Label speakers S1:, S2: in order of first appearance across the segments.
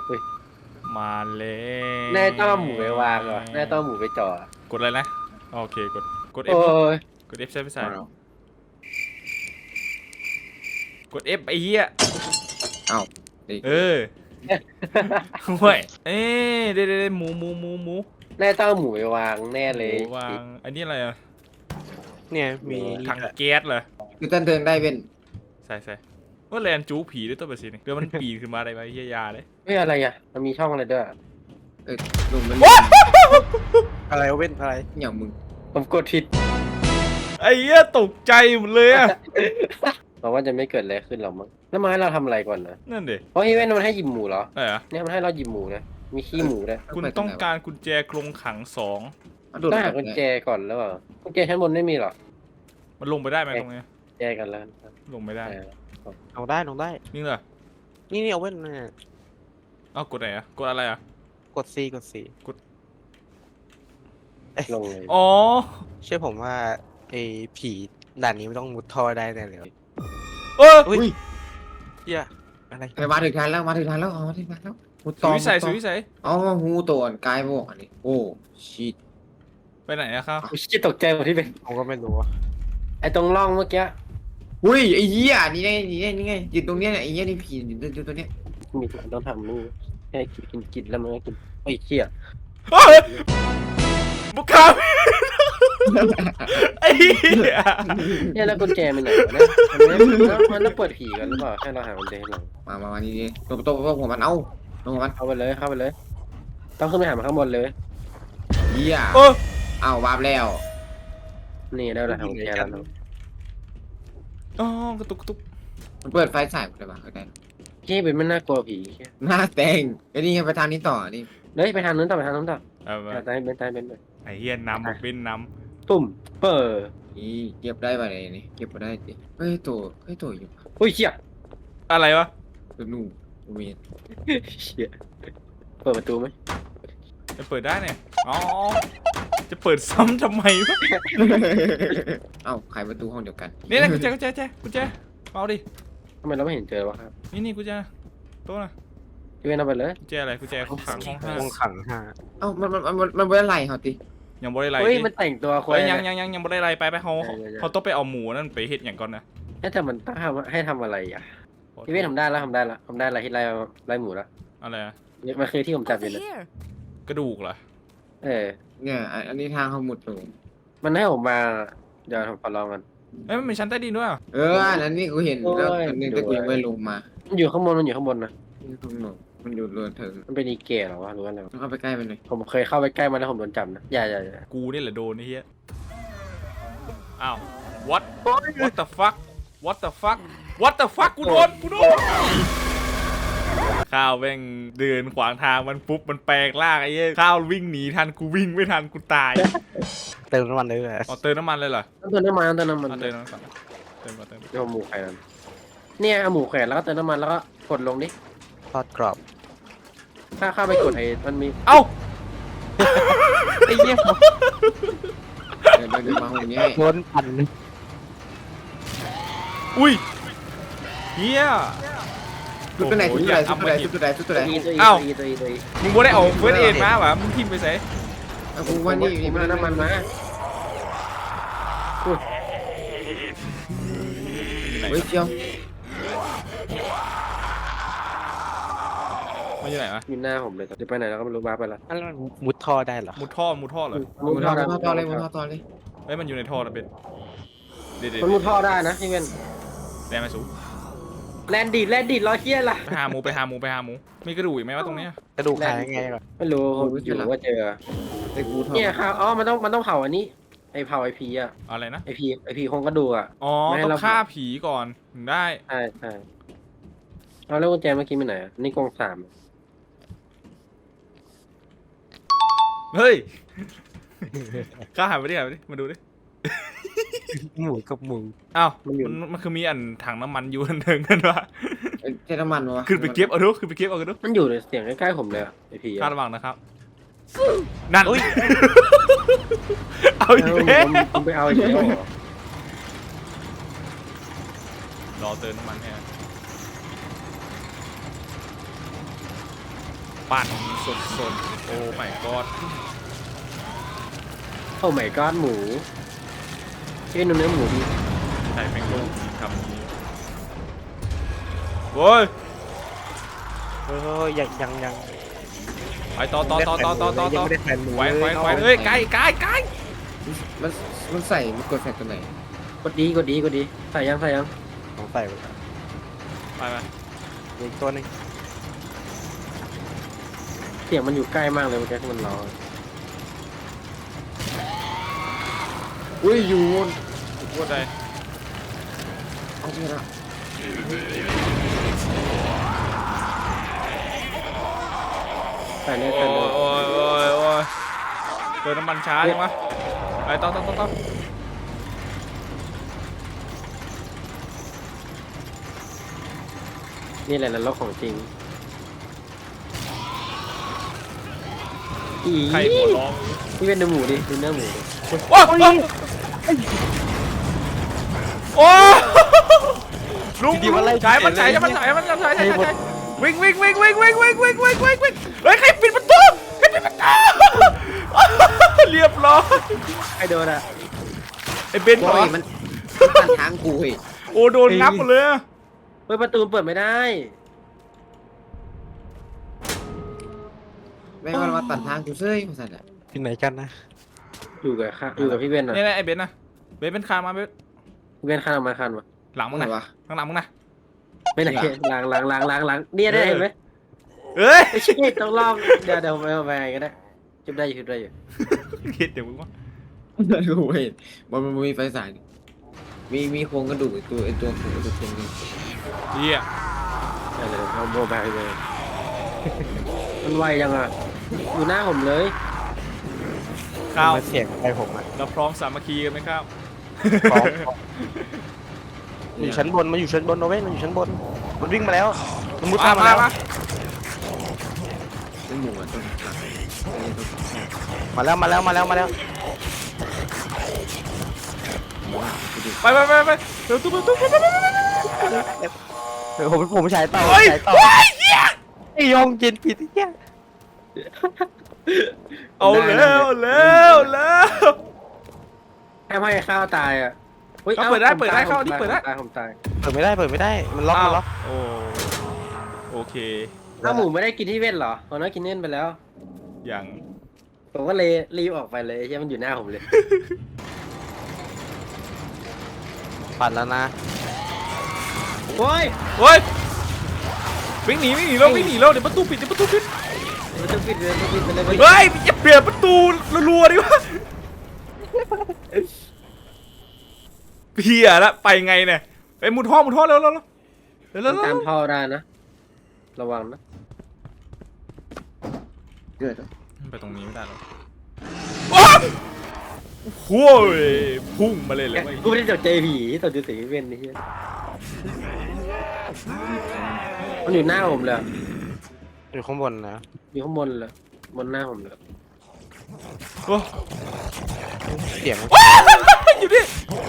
S1: เฮ้ย
S2: มาเลย
S1: แน่ต้องเอาหมูไปวางเหรอแน่ต้องเอาหมูไปจ่อก
S2: ดอะไรนะโอเคกด
S1: โอ้
S2: F
S1: ย
S2: กด F ใช่ไหมสายกด F ไอ้เหี้ย
S3: เอ้า
S2: เออเว้ยเอ๊ะเด้หมู
S1: แน่ต้องเอาหมูไปวางแน่เลย
S2: หมูวางอันนี้อะไรอ่ะ
S4: เนี่ยมี
S2: ถังแก๊สเหรอ
S3: คือต้นเทิงได้เป็น
S2: ใส่ว่าแลนจูผีด้วยตัวเบสินี่เดี๋ยวมันปีนขึ้นมาอะไรไปเฮียยาเลย
S1: เฮ้ยอะไรอ่ะมันมีช่องอะไรด้วยอะ
S3: ลุงมัน
S4: อะไรเว้นอะไร
S3: อย่างมึง
S1: ผมกดผิด
S2: ไอ้เหี้ยตกใจหมดเลยอ่ะ
S1: หวังว่าจะไม่เกิดอะไรขึ้นหรอกมั้งแล้วมาให้เราทำอะไรก่อนนะ
S2: นั่นดิ
S1: เพราะอีเวนต์มันให้หยิบหมูเหรอ
S2: อะไรอ่ะ
S1: เนี่ยมันให้เราหยิบหมูนะมีขี้หมูด้วย
S2: คุณต้องการกุญแจกรงขัง2
S3: โดด
S1: ต้องหากุญแจก่อนแล้วเปล่ากุญแจชั้นบนไม่มีหรอ
S2: มันลงไปได้ไหมตรงนี้
S1: แจกันแล้ว
S2: ลงไม่ได้
S4: ลงได้ลงได้
S2: นี่เหรอ
S4: นี่เอาเว้นเนี่ย
S2: เอ้ากดไหนอ่ะกดอะไรอ่ะ
S4: กด C กด C
S1: ลงเลย
S2: อ๋อ
S4: เชื่อผมว่าไอ้ผีด่านนี้ไม่ต้องมุดท่อได้แน่เลย
S2: เออ
S4: อุ้ยเหี้ยอะไร
S3: มาถึงทันแล้วมาถึงทันแล้วอ๋อมาถึงทันแล้วหู
S2: สุวิสัยสุวิสัย
S3: อ๋อหูตัวกายบอกอันนี้โอ้ชิต
S2: ไปไหนอะครับ
S1: อุ๊ยชิบตกใจหมดที่เป็น
S4: ผมก็ไม่รู้อะ
S1: ไอ้ตรงร่องเมื่อกี้
S3: อุ้ยไอ้เหี้ยนี่ไงนี่ไงยืนตรงเนี้ยไอ้เหี้ยนี่ผีอยู่ตัวเนี้ย
S1: มีต้องทำนู่นให้กินแล้วมันก็กินโอ้ยเชี่ย
S2: เฮ้ยบุกคาไอ้เหี้ย
S1: เนี่ยแล้วกุญแจมันไหนวะเนี่ยมันต้องเปิดผีกันหรือเปล่าให้เราหากุญแจให้เรา
S3: มานี่ตัวหัวมันเอาตัวหัวมัน
S1: เข้าไปเลยต้องขึ้นไปหามันข้างบนเลย
S3: เหี้ย
S2: เออ
S3: เอาวาบแล้ว
S1: นี่ได้แล้วหากุญแจแล้วเนาะ
S2: อ๋อกระตุก
S3: มันเปิดไฟฉายหมดเลยป่ะได้
S1: เฮ้ยเป็นมันน่ากลัวผี
S3: หน้าแตงไอ้นี่ไงไปทางนี้ต่อนี่
S1: เฮ้ยไปทางนู้นต่อไปทางนู้นต่อ
S2: เอามา
S1: ตายเป็น
S2: ไอ้เหี้ยน้ำบอกเป็นน้
S1: ตุ่มเปิด
S3: นี่เก็บได้ป่ะเนี่ยนี่เก็บมาได้ดิเฮ้ยตัวอยู่
S1: อุ้ยเชี่ย
S2: ำอะไรวะ
S3: ตัวนู่นเวียน
S1: เชี่ยเปิดประตูไหม
S2: จะเปิดได้เนี่ยอ๋อจะเปิดซ้ำทำไมวะ
S3: เอ้าขายประตูห้องเดียวกัน
S2: นี่นะกุญแจเอาดิ
S1: ทำไมเราไม่เห็นเจอวะครับ
S2: นี่กุญแจโต๊ะนะ
S1: พี่เวนเอาไปเลย
S2: กุญแจอะไรกุญแจห้องขังห้องห้า
S4: ห้องขังห้า
S3: เอ้ามันเป็นอะไรเหรอติ
S2: ยังบ่ได้ไร
S1: เฮ้ย
S2: ดิ
S1: มันแต่งตัวค
S2: เฮ้
S1: น
S2: ยยังบ่ได้ไรไปเขาต้องไปเอาหมูนั่นไปเฮ็ดอย่างก่อนนะ
S1: แต่มันต้องให้ทำอะไรอ่ะพี่เวนทำได้แล้วที่ไล่หมูแล้ว
S2: อะไรอะ
S1: มันคือที่ผมจับอยู่
S5: Over
S1: นะ
S5: here.
S2: กระดูกเหรอ
S1: เออ
S3: เนี่ยอันนี้ทางเขาหมุดลง
S1: มันให้ผมมาเดี๋ยวผมขอลองกัน
S2: เอ้ยมันมีชั้นใต้ดินด้วยอ่ะ
S3: อันนั้นนี่กูเห็นแล้วอันนี้ตะกี้ไม่ลงมา
S1: มันอยู่ข้างบนนะ
S3: นี่ตรงหนมันอยู่เรือนเถิง
S1: มันเป็นอีเกะเหรอวะหรือว่าอะไรวะ
S3: ต้องเข้าไปใกล้มันหน่อย
S1: ผมเคยเข้าไปใกล้มันแล้วผมโดนจับนะอย่า
S2: กูนี่แหละโดนไอ้เหี้ยอ้าว what the fuck กูโดนข้าวแม่งเดินขวางทางมันปุ๊บมันแปลงร่างไอ้เหี้ยข้าววิ่งหนีทันกูวิ่งไม่ทันกูตาย
S4: เติมน้ำมันเลยเลย
S2: อ๋อเติมน้ำมันเลยเหรอ
S1: ต้องเติมน้ำมัน
S2: เอาเติมน้ำมันก่อนเติม
S1: เดี๋ยวเอาหมูแขวนเนี่ยเอาหมูแขวนแล้วก็เติมน้ำมันแล้วก็กดลงดิ
S4: ทอดกรอบ
S1: ถ้าเข้าไปกดไอ้มันมี
S2: เอ้า
S4: ไอ้เหี้ย
S3: เดินมาห้องนี้
S4: โดนปั่น
S2: อุ้ยเฮีย
S3: ชุดตัวไหนชุดตัวไหน
S1: ตัวอี
S2: มึงบ่ได้เอาเฟิร์สเอ็ดมาวะมึงทิมไปใส่
S3: กูว่านี่
S1: มันน้ำมันมา
S3: เฮ้ยเจียว
S2: มันอยู่ไหนวะ
S1: อยู่หน้าผมเลยจะไปไหนแล้วก็ไม่รู้บ้าไปละ
S4: อันนั้นมุดท่อได้เหรอ
S2: มุดท่อเหรอ
S3: มุดท่อเลย
S2: เฮ้ยมันอยู่ในท่อนะเป็นเด็ด
S1: มันมุดท่อได้นะพี่เว้น
S2: แดงมาสู
S1: แลนดิดรอเคียล่ะ
S2: ไปหาหมูมีกระดูกอีกไหมวะตรงเนี้ย
S4: กระดูกหายยังไงก่อน
S1: ไม่รู้อยู่ว่าเจอ
S3: ไอ้กูท่อ
S1: เนี่ยครับอ๋อมันต้องเผาอันนี้ไอเผาไอพีอ่ะ
S2: อะไรนะ
S1: ไอพีคงกระดูกอ่ะ
S2: อ๋อ
S1: ไม่ให้
S2: ต้อ
S1: เรา
S2: งฆ่าผีก่อนถึงได้
S1: ใช่เอาแล้วกุญแจเมื่อกี้ไปไหนอ่ะนี่กอง3
S2: เฮ้ยข้าหายไปดิมาดูดิ
S4: หมูกับหมู
S2: อ้าวมันคือมีอันถังน้ำมันอยู่อันหนึ่งกันวะ
S3: เจ้าน้ำมันวะ
S2: ขึ้นไปเก็บเอาดูกันดู
S1: มันอยู่ในเสียงใกล้ๆผมเลยไอพี
S2: คาดระวังนะครับนั่น
S4: อุ้ย
S2: เอาอีกแล้ว
S1: ผมไปเอาอีกแล้ว
S2: รอเติมน้ำมันให้ปั่นสดๆโอ้ my god
S1: โอ้ my god หมูพี่เป็นเนื้อหมูดิ
S2: ใส่แมงโก้คำนี้โว้ย
S4: เออยัง
S2: ไปต่อ
S4: ยังไม่ได้แผ่นหมู
S2: แขวน
S4: เลย
S2: เอ้ยไกล
S3: มันมันใส่มันกดแฟกตัวไหน
S1: กดดีใส่ยัง
S4: ของใส่ไป
S2: ไป
S4: อีกตัวหนึง
S1: เสียงมันอยู่ใกล้มากเลยเมื่อกี้ที่มันร้อง
S3: อุ้ยอยู่
S2: พูดได้
S3: เอาไปละ
S1: ใส่เลย
S2: โอ้ยเติมน้ำมันช้าจังวะไปต่อ
S1: นี่แหละนรกของจริงอี
S2: ใครหัวร้อง
S1: พี่เป็นเนื้อหมูดิดูเนื้อหมูดิ
S2: โอ้ลุงฉายมันวิ่งเฮ้ยใครปิดประตูเรียบร้อย
S1: ไอโดนอะ
S2: ไอ้เบน
S3: โอ้
S2: เหรอย
S3: มันตัดทางกูเฮ้ย
S2: โอ้โดนงับหมดเลย
S1: เฮ้ยประตูเปิดไม่ได้
S3: แม่งมันมาตัดทางกูเซ้ยมาสั่นอ่ะ
S4: ที่ไหนกันนะ
S1: อยู่กับพี่เบนอะ
S2: นี่ไอ้เบนนะเบนเป็นคามาเบน
S1: พี่เบนคันออกมาคันวะ
S2: หลังมึง
S3: ไหน
S2: นะ
S3: วะ
S2: ข้างหลังมึงนะ
S1: ไม่ไหนล้างเนี่ยได้เห็นไหม
S2: เอ้ย
S1: ไม่ใช่ต้องลองเดี๋ยวไปก็ได้จุดได้อยู่
S2: เห็ดเดี๋ยวมึงว่า
S3: กูเห็นมันมีไฟสายมีโครงกระดูกไอตัวโครงกระดูกเต็มเลย
S2: เฮีย
S1: เดี๋ยวเอาโมบายเลยมันไวยังอะอยู่หน้าผมเลย
S2: ข้าว
S4: มาเสียงไปผมอ่ะ
S2: เราพร้อมสามัคคีกันไหมครับ
S4: พร้อมอยู่ชั้นบนมันอยู่ชั้นบนโอเว่นมันอยู่ชั้นบนมันวิ่งมาแล้วมันมุดมาแล้ว
S3: เป็นหมูอ่ะต้นหลัก
S4: มาแล้ว
S2: ไปเร็วตุ๊บ
S4: ผมใช้ต่อ
S2: เฮ้ย
S4: ใช้ต่อ
S2: เฮีย
S4: ไอ้ยองกินผิดที่แค่
S2: เอาแล้ว
S1: ให้ข้าวตายอะ
S2: เปิดได้เข้าที่เปิดได้
S1: ผมตาย
S4: เปิดไม่ได้มันล็อก
S2: โอ้โอเค
S1: ถ้าหมูไม่ได้กินที่เว้นเหรอผมน่ากินเน่นไปแล้ว
S2: อย่าง
S1: ผมก็เลยรีบออกไปเลยใช่มันอยู่หน้าผมเลย
S4: ปั่นแล้วนะ
S1: โอ้ย
S2: เฮ้ยวิ่งหนีแล้วเดี๋ยวประตูปิด
S1: มันต้องปิดเลยไปเลย
S2: เฮ้ยอย่าเปลี่ยนประตูรัวๆดิวะเพี้ยละไปไงเนี่ยไปมุดท่อเร็ว
S1: ตามท่อได้นะระวังนะ
S3: เกิด
S2: ไปตรงนี้ไม่ได้หรอกโอ้ยพุ่งมาเลยเลย
S1: กูไม่ได้ตกใจผีตกใจสีเว้นนี่มันอยู่หน้าผมเลย
S4: อยู่ข้างบนนะ
S1: อยู่ข้างบนเลยบนหน้าผมเลย
S2: โอ้
S4: เสียง
S2: อยู่ดิ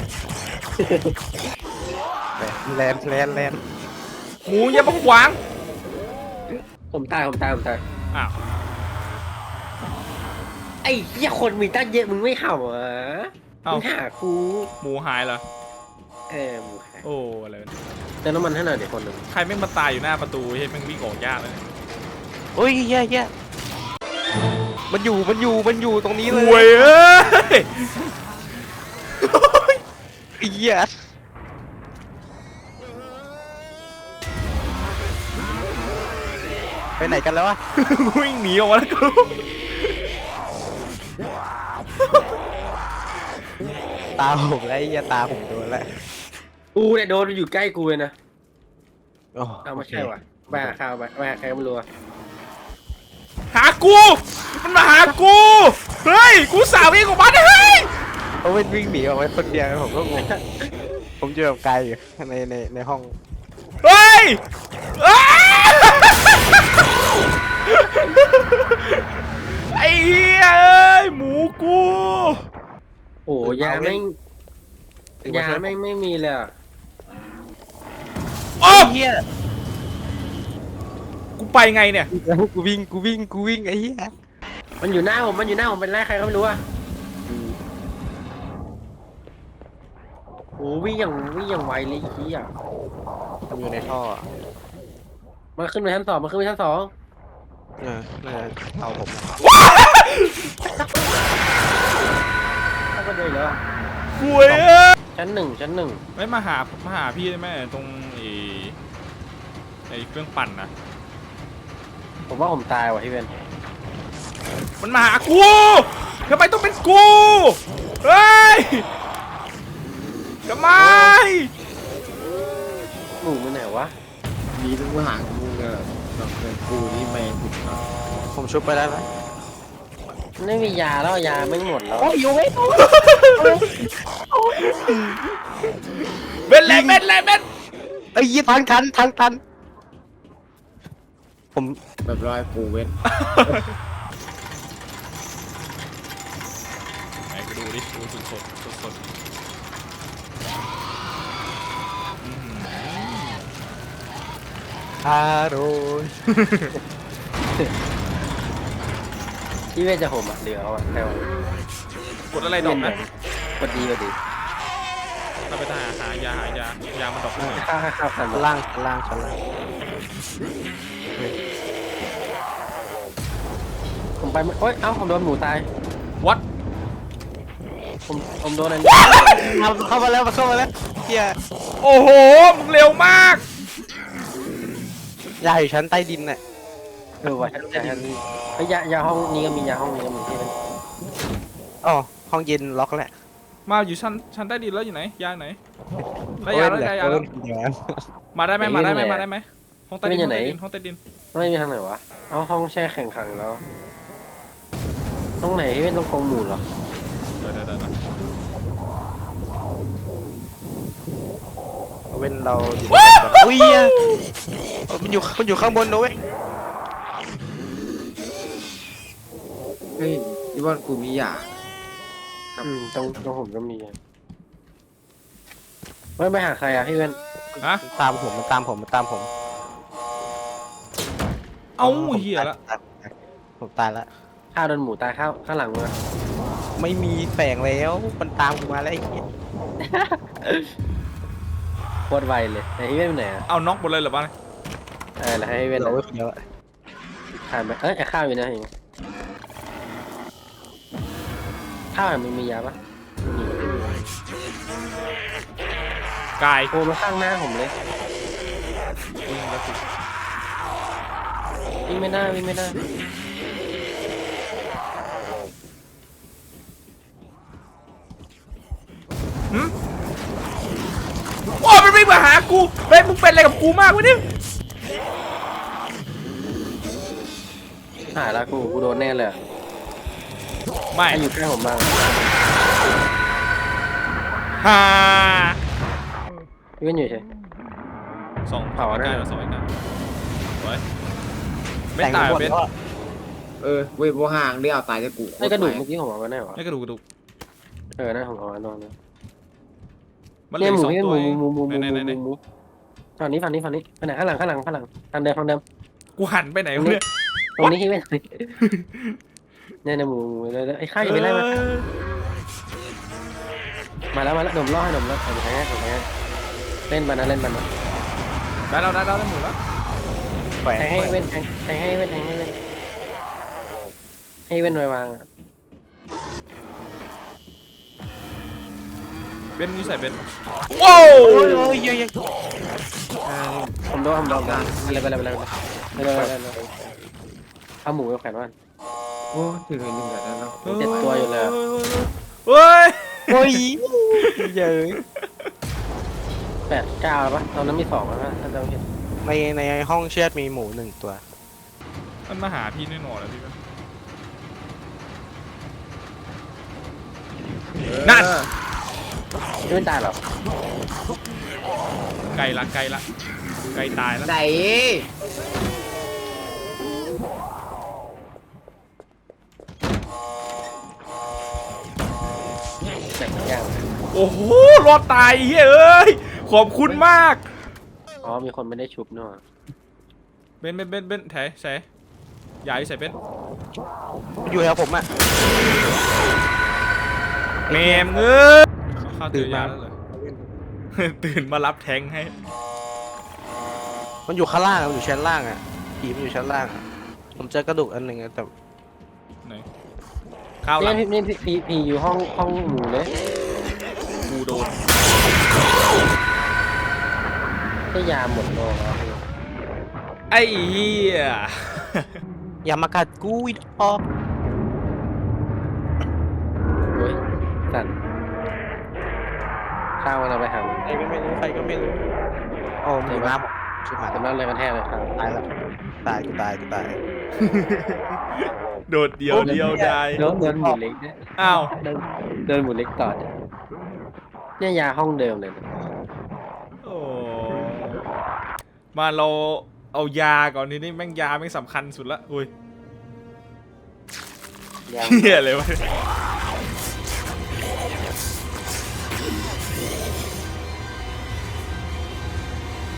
S4: แลนด์
S2: หมูอย่ามาขวาง
S1: ผมตาย
S2: อ้าว
S1: ไอ้เหี้ยคนมีตั้งเยอะมึงไม่เห่าเหรอมึงหากู
S2: หมูหายเหรอ
S1: หมูหา
S2: โอ้อะไร
S1: เติมน้ำมันให้หน่อยเดี๋ยวคนหนึ่ง
S2: ใครแม่งมาตายอยู่หน้าประตูเฮ้ยแม่งวิ่งออกยากเลย
S4: โอ้ยแย่มันอยู่ตรงนี้เล
S2: โวยเอ้ย
S4: เหี้ยไปไหนกันแล้ววะ
S2: วิ่งหนีออกมาแล้วกู
S4: ตาผมแล้วไอ้เหี้ยตาผมโดนแล้ว
S1: กูเนี่ยโดนอยู่ใกล้กูเลยนะ
S4: โอ้
S1: เอาไม่ใช่ว่ะไปหาข้าวไปหาใครก็ไม่รู้
S2: หากูมันมาหากูเฮ้ยกูสาววิ่งออกมาได้เฮ้ย
S4: เขาวิ่งหนีออกไปคนเดียวผมก็งงผมเจอกับกายอยู่ในห้อง
S2: เฮ้ยไอ้เหี้ยเอ้ยหมูกู
S1: โอ้ยาไม่มีเลยอ่ะ
S2: โอ้
S4: เหี้ย
S2: กูไปไงเนี่ย
S4: กูวิ่งไอ้เหี้ย
S1: มันอยู่หน้าผมเป็นไรใครก็ไม่รู้อะโอ้วิ่งอย่างไวเลยขี้อ่ะ
S4: มันอยู่ในท่อ
S1: มันขึ้นไปชั้นสองมันขึ้นไปชั้นสอง
S4: น่าจะเอาผม
S1: ถ้าก็เดินแล้วอะ
S2: ป่วยเอ้ย
S1: ชั้นหนึ่ง
S2: ไม่มาหาพี่ได้ไหมตรงไอ้เครื่องปั่นนะ
S1: ผมว่าผมตายว่ะพี่เวน
S2: มันมาหากูทำไมต้องเป็นกูเฮ้ยทำไม
S1: หมูมันไหนวะ
S3: มีทุกทหารกูกับเพื่อนกูนี่ไม่ถูกต้อง
S4: ผมชุบไปได้ไหม
S1: ไม่มียาแล้วยาไม่หมดแล้ว
S4: โอ้ยอยู่ไม่ถูก
S2: เบ็ดเลยเบ็ดเลยเบ็ด
S4: ไอ้ยี่ทางทันผม
S3: แบบร้อยกูเว้น
S2: ไหนไปดูดิดูสด
S4: อร่อย
S1: พี่เวนจะผมอ่ะเหลือเอาอ่ะแต่ว่าก
S2: ดอะไรดอกนะ
S1: กดดี
S2: เราไปหายามันดอกเลย
S1: ข้าวพัน
S4: ชั้นล่าง
S1: ผมไปโอ๊ยเอ้าผมโดนหมูตาย
S2: วัด
S1: ผมโดนอันนี้
S4: เข้ามาแล้วเฮีย
S2: โอ้โหมึงเร็วมาก
S4: ยาอยู่ชั้นใต้ดินน่ะ
S1: ว่ะชั้นยาห้องนี้ก็มียาห้องนี้ก็มีที่เป็น
S4: อ๋อห้องเย็นล็อกแหละ
S2: มาอยู่ชั้นใต้ดินแล้วอยู่ไหนยาไหนได้ยาแล้วมาได้ไหมห้องใต้ดิน
S1: ไม่มีทางไหนวะเอาห้องแช่แข็งขังแล้วตรงไหนที่เป็นตรงกองหมูเหรอ
S2: เดี๋ยว
S4: เว้นเราอุ้ยมันอยู่ข้างบนนะเว้ย
S3: เฮ้ยที่บ้านกูมียา
S1: ตรงผมก็มีไม่ไปหาใครอ่ะพี่เวน
S2: ฮะ
S4: ตามผมมันตามผม
S2: เอ้าเหี้ยละ
S4: ผมตายละ
S1: ข้าวโดนหมูตายข้างหลังมือ
S4: ไม่มีแฝงแล้วมันตามกูมาแล้วไอ้เหี้ย
S1: โคตรไวเลยไอ้พี่เวนอยู่ไหนอ่ะ
S2: เอาน็อกหมดเลยเหรอบ้าน
S1: แล้วให้พี่เวน
S4: เราไว้คนเดียวอะ
S1: ทานไปไอ้ข้าวอยู่นะเองข้าวมันมียาปะ
S2: กาย
S1: โอ้มาข้างหน้าผมเลยวิ่งไม่ได้
S2: โอ้มันวิ่งมาหากูเฮ้ยมึงเป็นอะไรกับกูมากวะเนี่ย
S1: หายแล้วกูโดนแน่เลย
S2: ไม่
S1: ให้อยู่ใกล้ผมบ้าง
S2: ฮ่า
S1: พี่เวนอยู่เฉย
S2: สอง
S1: เผาได้
S2: ใกล้ๆสองใกล้ๆไว้ไม่ตาย
S4: แต่งหมด
S2: เบน
S4: แล้วอะ
S3: เว้ยบัวห่างเรียกเอาตายจะกู
S1: ไอ้กระดูกเมื่อกี้ผมเอาไว้ไหนวะ
S2: ไม่กระดูก
S1: นะผมเอาไว้นอนนะ
S2: มันเหลื
S1: เนี่
S2: อย
S1: หมู
S2: สอง
S1: พี่
S2: ตัว
S1: หมู
S2: ไหน
S1: ฝั่งนี้ไปไหนข้างหลังทางเดิมทางเดิม
S2: กูหันไปไหนวะเนี่ย
S1: ตรงนี้พี่เวนเนี่ยหมูเลยไอ้ข้าวอยู่ไม่ได้มาแล้วหนุ่มล่อให้หนุ่มล่อผมแพ้เล่นมันนะ
S2: ได้แล้วได้หมดแล้ว
S4: แฝง
S1: แทงให้เว้นให้เว้นไว้วาง
S2: เบนนี่ใส่เบนว้าว
S4: โอ้ยเยอะ
S1: ผมโดนอะไรเอาหมูไปแขวนว่าน
S3: โอ้ถึงไอ้หนึ่งแล้วเนาะ
S1: เจ็ดตัวอยู่เลย
S2: เฮ้ย
S4: โอ้ยเยอะ
S1: 8 9แล้วปะตอนนั้นมี2แล้วนะถ้าจำผิด
S4: ในห้องเชือดมีหมู1 ตัว
S2: มันมาหาพี่แน่นอนแล้วพี่ นั่น
S1: ไม่เป็นตายหรอ
S2: ไกลละไกลตายแล้ว
S3: ไหน
S1: แต่งย่าง
S2: โอ้โหรอดตายเฮ้ยขอบคุณมาก
S1: อ๋อมีคนไม่ได้ชุบเนาะ
S2: เบนแถใส่ยาอยู่ใส่เบน
S4: มันอยู่แถวผมอะ
S2: แมมเอ้ยเข้าตื่นยาแล้วเลย ตื่นมารับแทงให้
S4: มันอยู่ข้างล่างอะมันอยู่ชั้นล่างอะผีมันอยู่ชั้นล่างอะผมเจอกระดูกอันหนึ่งอะแต่
S2: ไหนข้าวหลัง
S1: นี่พี่อยู่ห้องหมูเลย
S2: กูโดน
S1: ได้ยาหมดโลแล้ว
S2: ไอ้เหี้ย
S4: อย่ามากัดกูอีดอก
S1: โอ้ยสั่นข้าวมันเอาไปหามัน
S4: ใครก็ไม่รู้ใครก็ไม่รู้โอ้มีน้ำชิบหาย
S1: แต่นั่นเลยกระแทกเลยครับ
S4: ตายแล้วตายกูตายกูตาย
S2: โดดเดียวได้
S1: โดนหมูเล็กเนี่ย
S2: อ้าว
S1: โดนหมูเล็กต่อเนี่ยยาห้องเดิมเลยนะ
S2: โอ้มาเราเอายาก่อนทีนี้แม่งยาแม่งสำคัญสุดละอุ้ย
S1: ยา
S2: เหี้ยเลยวะ